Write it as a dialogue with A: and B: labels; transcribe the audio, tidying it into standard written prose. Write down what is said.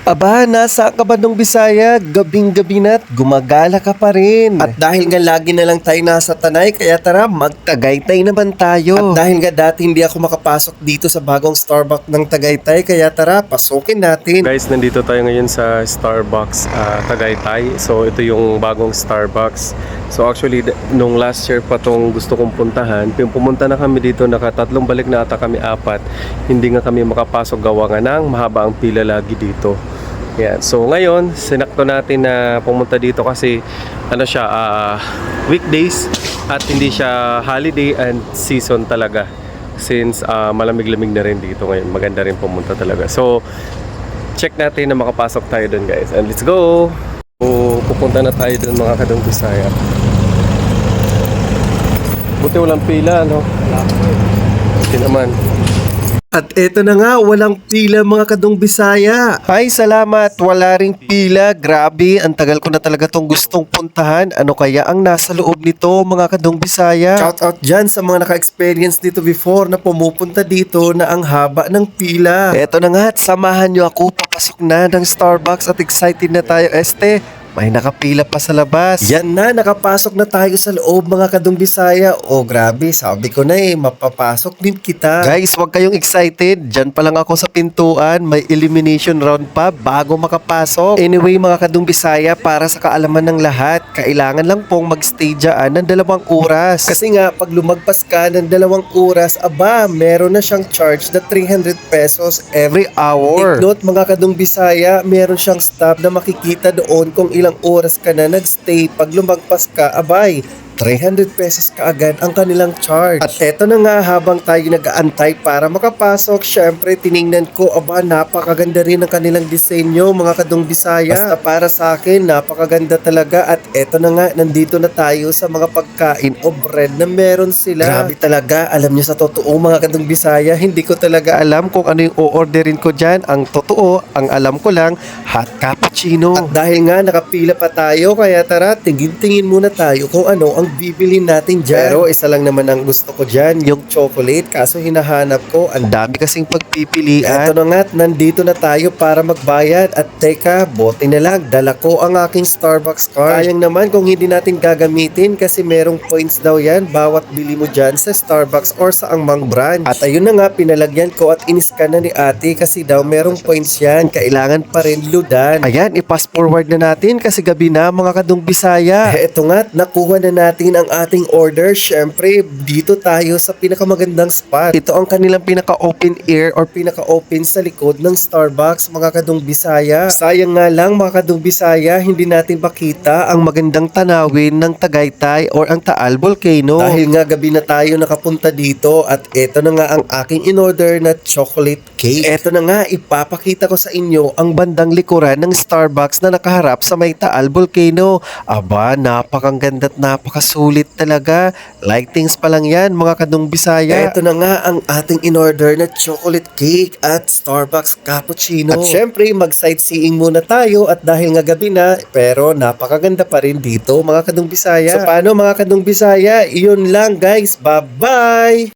A: Aba, nasa Kabandong Bisaya, gabing-gabi na't gumagala ka pa rin. At dahil nga lagi na lang tayo nasa Tanay, kaya tara, magtagaytay naman tayo. At dahil nga dati hindi ako makapasok dito sa bagong Starbucks ng Tagaytay, kaya tara, pasukin natin.
B: Guys, nandito tayo ngayon sa Starbucks Tagaytay. So ito yung bagong Starbucks. So actually nung last year pa tong gusto kong puntahan, pumunta na kami dito, nakatatlong balik na ata kami, apat. Hindi nga kami makapasok gawa nga ng mahaba ang pila lagi dito. Yan. So ngayon, sinakto natin na pumunta dito kasi ano siya, weekdays at hindi siya holiday and season talaga. Since malamig-lamig na rin dito ngayon, maganda rin pumunta talaga. So check natin na makapasok tayo dun, guys. And let's go! So pupunta na tayo dun, mga Kadong Bisaya. Buti walang pila, no? Buti naman.
A: At eto na nga, walang pila mga Kadong Bisaya. Ay, salamat. Wala ring pila. Grabe, ang tagal ko na talaga tong gustong puntahan. Ano kaya ang nasa loob nito mga Kadong Bisaya? Shout out dyan sa mga naka-experience dito before na pumupunta dito na ang haba ng pila. Eto na nga, at samahan nyo ako. Papasok na ng Starbucks at excited na tayo, este. May nakapila pa sa labas. Yan na, nakapasok na tayo sa loob mga Kadong Bisaya. Oh, grabe, sabi ko na mapapasok din kita. Guys, wag kayong excited. Diyan pa lang ako sa pintuan. May elimination round pa bago makapasok. Anyway mga Kadong Bisaya, para sa kaalaman ng lahat, kailangan lang pong magstay dyan ng 2 oras. Kasi nga, pag lumagpas ka ng 2 oras, aba, meron na siyang charge na 300 pesos every hour. Take note mga Kadong Bisaya, meron siyang stop na makikita doon kung ilang oras ka na nagstay. Pag lumagpas ka, abay, 300 pesos kaagad ang kanilang charge. At eto na nga, habang tayo nag-aantay para makapasok, syempre tiningnan ko, aba, napakaganda rin ang kanilang disenyo mga Kadong Bisaya. Basta para sa akin, napakaganda talaga. At eto na nga, nandito na tayo sa mga pagkain o bread na meron sila. Grabe talaga, alam nyo sa totoo mga Kadong Bisaya, hindi ko talaga alam kung ano yung o-orderin ko dyan. Ang totoo, ang alam ko lang, hot cappuccino. At dahil nga nakapila pa tayo, kaya tara, tingin-tingin muna tayo kung ano ang bibilin natin dyan. Pero isa lang naman ang gusto ko dyan, yung chocolate. Kaso hinahanap ko, ang dami kasing pagpipilian. Eto na nga, nandito na tayo para magbayad. At teka, bote na lang, dala ko ang aking Starbucks card. Sayang naman kung hindi natin gagamitin kasi merong points daw yan bawat bili mo dyan sa Starbucks or sa angmang branch. At ayun na nga, pinalagyan ko at iniskan na ni ate kasi daw merong points yan. Kailangan pa rin ludan. Ayan, i-pass forward na natin kasi gabi na mga Kadong Bisaya. Eto nga, nakuha na natin ang ating order. Syempre, dito tayo sa pinakamagandang spot. Ito ang kanilang pinaka-open air or pinaka-open sa likod ng Starbucks mga Kadong Bisaya. Sayang nga lang mga Kadong Bisaya, hindi natin makita ang magandang tanawin ng Tagaytay or ang Taal Volcano. Dahil nga gabi na tayo nakapunta dito at ito na nga ang aking in-order na chocolate cake. Ito na nga, ipapakita ko sa inyo ang bandang likuran ng Starbucks na nakaharap sa may Taal Volcano. Aba, napakaganda at napakasulit talaga. Lightings pa lang yan mga Kadong Bisaya. Ito na nga ang ating in-order na chocolate cake at Starbucks cappuccino. At syempre, mag-sightseeing muna tayo at dahil nga gabi na, pero napakaganda pa rin dito mga Kadong Bisaya. So paano mga Kadong Bisaya? Iyon lang guys. Bye-bye!